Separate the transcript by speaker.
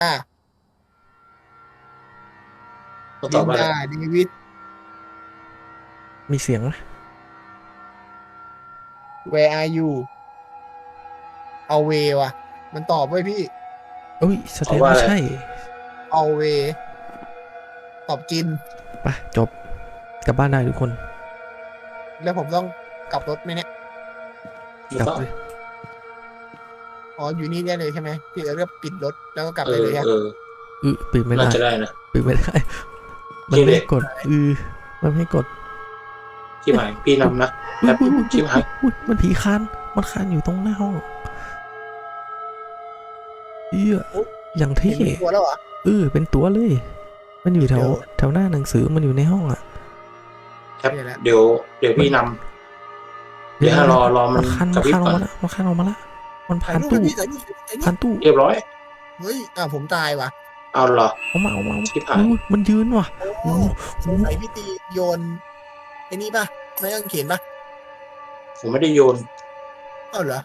Speaker 1: อ่า
Speaker 2: ต้องตอบว่าอะไร
Speaker 1: ลินดาเดวิด
Speaker 3: มีเสียงไหม
Speaker 1: where are you เอาเวว่ะมันตอบไว้พี่
Speaker 3: เอ้ยแส
Speaker 2: ตอบว่าอะไร
Speaker 3: ดงว่าใช่
Speaker 1: เอาเวตอบกิน
Speaker 3: ไปจบกลับบ้านได้ทุกคน
Speaker 1: แล้วผมต้องกลับรถไหมเนี่ย
Speaker 2: ไม่ต้อง
Speaker 3: กลับเลย
Speaker 1: อ๋ออยู่นี่ได้เลยใช่ไหมพี่เอิร์ธก็ปิดรถแล้วก็กลับ
Speaker 2: เออ
Speaker 1: ได้เลยฮะ
Speaker 2: เออ
Speaker 3: ปิดไม่
Speaker 2: น่า
Speaker 3: ได้
Speaker 2: จะได้นะ
Speaker 3: ปิดไม่ได้มัน
Speaker 2: เจ๊เด็ก
Speaker 3: ไม่ให้กดมันไม่ให้กด
Speaker 2: ชิบหายพี่นำนะ
Speaker 3: อุ้ย
Speaker 2: แป๊บ
Speaker 3: อุ้ยอุ้ย
Speaker 2: ชิบหาย
Speaker 3: อุ้ยมันผีคานมันคานอยู่ตรงหน้าห้อง
Speaker 1: อุ๊ย
Speaker 3: อย่าง
Speaker 1: เห็
Speaker 3: เท่
Speaker 1: นเป็นตัวแล้วเหรอ
Speaker 3: เป็นตัวเลย มันอยู่แถว
Speaker 1: เดี๋ยว
Speaker 3: แถวหน้าหนังสือมันอยู่ในห้องอ่ะ
Speaker 2: แป๊บ
Speaker 1: เดี๋ยวแล้ว
Speaker 2: เดี๋ยวพี่นำเดี๋ยวให้รอมัน
Speaker 3: คัน
Speaker 2: กระพริบก่อน
Speaker 3: มันคันออกมาละมัน
Speaker 1: ถ่าย
Speaker 3: ผ่านตู้
Speaker 1: รูปเลยพี่ถ่ายรูปถ่ายรูป
Speaker 3: ผ่านตู้
Speaker 2: เรียบร้อย
Speaker 1: เฮ้ยผมตายว่ะ
Speaker 2: เอาเหรอ
Speaker 3: เอามา
Speaker 2: ชิบหาย
Speaker 3: อุ้ยมันยืนว่ะ
Speaker 1: โอ้
Speaker 3: โอ้โห
Speaker 1: สงสัยพี่ตีโยนไอ้นี่ป่ะไม่ต้องเขียนป่ะ
Speaker 2: ผมไม่ได้โยน
Speaker 1: เอ้าเหรอ